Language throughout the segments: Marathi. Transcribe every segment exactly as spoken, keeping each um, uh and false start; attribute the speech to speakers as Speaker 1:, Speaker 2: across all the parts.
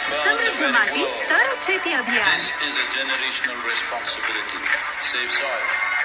Speaker 1: समृद्ध माती तर शेती अभियान.
Speaker 2: This is a generational responsibility. Save soil.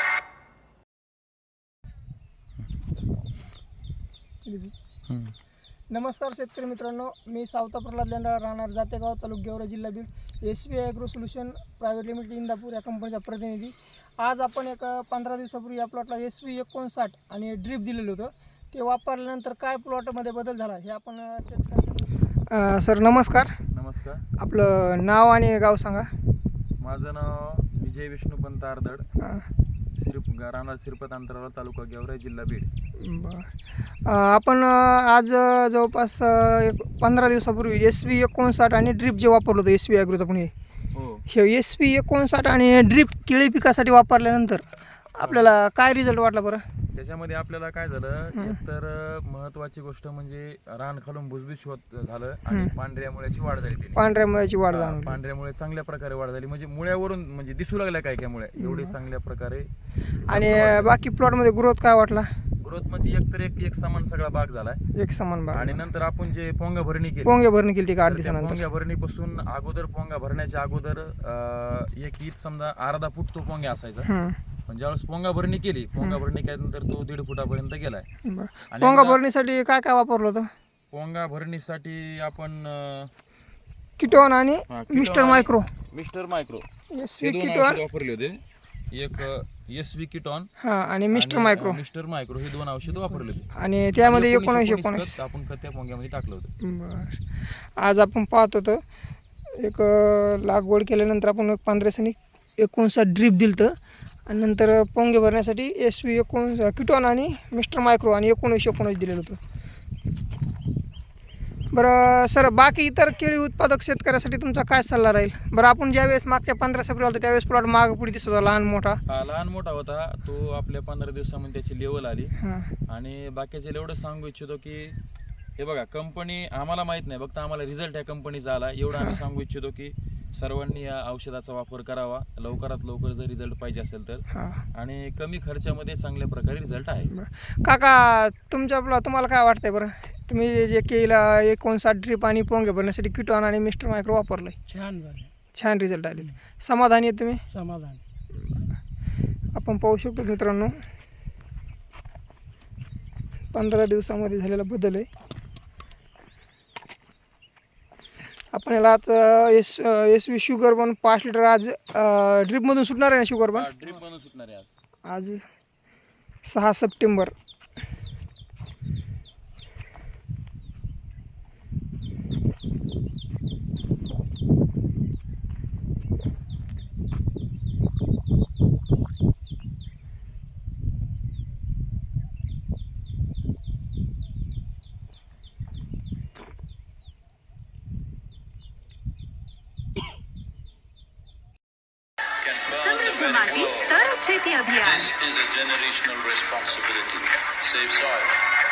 Speaker 3: नमस्कार शेतकरी मित्रांनो, मी सावता प्रल्हाद लेंडा, राहणार जातेगाव, तालुका गेवरा, जिल्हा Beed, S B I agro solution private limited Indapur या कंपनीचा प्रतिनिधी. आज आपण एक पंधरा दिवसापूर्वी या प्लॉटला एस व्ही एकोणसाठ आणि ड्रीप दिलेलं होतं. ते वापरल्यानंतर काय प्लॉटमध्ये बदल झाला हे आपण शेतकऱ्यांना. सर नमस्कार.
Speaker 4: नमस्कार.
Speaker 3: आपलं नाव आणि गाव सांगा.
Speaker 4: माझं नाव विजय विष्णुपंत आरदड, सिरप राहणार सिरपत अंतराळा, तालुका गेवरा, जिल्हा बीड.
Speaker 3: बरं. आपण आज जवळपास एक पंधरा दिवसापूर्वी एस व्ही एकोणसाठ आणि ड्रीप जे वापरलं होतं एस व्ही ॲग्रोचं पण हे
Speaker 4: हो
Speaker 3: हे एस व्ही एकोणसाठ आणि ड्रीप केळी पिकासाठी वापरल्यानंतर आपल्याला काय रिझल्ट वाटला बरं?
Speaker 4: त्याच्यामध्ये आपल्याला काय झालं, एकतर महत्वाची गोष्ट म्हणजे रान खालून भुसभुस होत झालं आणि पांढऱ्या मुळ्याची वाढ झाली. त्याने
Speaker 3: पांढऱ्या मुळ्याची वाढ झाली.
Speaker 4: पांढऱ्या मुळे चांगल्या प्रकारे वाढ झाली, म्हणजे मुळ्यावरून म्हणजे दिसू लागल्या काय काय मुळे एवढी चांगल्या प्रकारे.
Speaker 3: आणि बाकी प्लॉटमध्ये ग्रोथ काय वाटला?
Speaker 4: ग्रोथ म्हणजे एकतर एक एक समान सगळा बाग झालाय,
Speaker 3: एक समान बाग.
Speaker 4: आणि नंतर आपण जे पोंगा भरणी केली,
Speaker 3: पोंगे भरणी केली ती आठ
Speaker 4: तर त्या
Speaker 3: दिवसानंतर.
Speaker 4: पोंग्या भरणीपासून अगोदर पोंगा भरण्याच्या अगोदर अं, एक ईद समजा अर्धा फूट तो पोंग्या असायचा.
Speaker 3: हम्म.
Speaker 4: पण ज्यावेळेस पोंगा भरणी केली, पोंगा भरणी केल्यानंतर तो दीड फुटापर्यंत गेलाय.
Speaker 3: बरं.
Speaker 4: आणि
Speaker 3: पोंगा
Speaker 4: एकदा-
Speaker 3: भरणीसाठी काय काय वापरलं होतं?
Speaker 4: पोंगा भरणीसाठी आपण अं,
Speaker 3: किटोन आणि
Speaker 4: हा, किटोन
Speaker 3: मिस्टर
Speaker 4: आणि
Speaker 3: मायक्रो
Speaker 4: मिस्टर मायक्रो
Speaker 3: एस
Speaker 4: हे
Speaker 3: व्ही
Speaker 4: दोन
Speaker 3: किटोन
Speaker 4: औषध वापरले होते. एक एस व्ही किटॉन
Speaker 3: हा आणि मिस्टर
Speaker 4: आणि,
Speaker 3: मायक्रो
Speaker 4: अं, मिस्टर मायक्रो हे दोन औषध वापरले होते.
Speaker 3: आणि त्यामध्ये
Speaker 4: एकोणीस-
Speaker 3: एकोणीसशे
Speaker 4: एकोणीस
Speaker 3: एकोणीस
Speaker 4: खत आपण खत त्या पोंग्यामध्ये टाकलं होतं.
Speaker 3: बरं. आज आपण पाहत होतो एक अं, लागवड केल्यानंतर आपण एक पंधरा दिवसांनी एकोणसाठ ड्रीप दिलं होतं आणि नंतर पोंगे भरण्यासाठी एस व्ही एकोण किटॉन आणि मिस्टर मायक्रो आणि एकोणीसशे एकोणीस दिलेलं होतं. बरं सर, बाकी इतर केळी उत्पादक शेतकऱ्यासाठी तुमचा काय सल्ला राहील? बरं, आपण ज्यावेळेस मागच्या पंधरा सप्टेंबर होतं त्यावेळेस प्लॉट माग पुढे दिसत होता लहान मोठा.
Speaker 4: हा लहान मोठा होता तो, आपल्या पंधरा दिवसामध्ये त्याची लेवल आली.
Speaker 3: हां
Speaker 4: आणि बाकीचे एवढं सांगू इच्छितो की हे बघा, कंपनी आम्हाला माहित नाही, फक्त आम्हाला रिझल्ट ह्या कंपनीचा आला एवढं आम्ही सांगू इच्छितो की सर्वांनी या औषधाचा वापर करावा लवकरात लवकर जर रिझल्ट पाहिजे असेल तर.
Speaker 3: हां.
Speaker 4: आणि कमी खर्चामध्ये चांगल्या प्रकारे रिझल्ट आहे.
Speaker 3: बरं काका, तुमच्या आपला तुम्हाला काय वाटतंय बरं? तुम्ही जे केळीला एकोणसाठ ड्रीप आणि पोंगे भरण्यासाठी किटॉन आणि मिस्टर मायक्रो वापरलं आहे,
Speaker 5: छान झाले,
Speaker 3: छान रिझल्ट आले. समाधानी आहे तुम्ही?
Speaker 5: समाधान.
Speaker 3: आपण पाहू शकतो मित्रांनो, पंधरा दिवसामध्ये झालेला बदल आहे. आपण याला आता एस एस व्ही शुगर बन पाच लिटर आज ड्रीपमधून सुटणार आहे ना शुगर बन?
Speaker 4: ड्रिप बनवून सुटणार आहे आज.
Speaker 3: आज सहा सप्टेंबर.
Speaker 1: समृद्ध माती तर शेती अभियान.
Speaker 2: This is a generational responsibility. Save soil.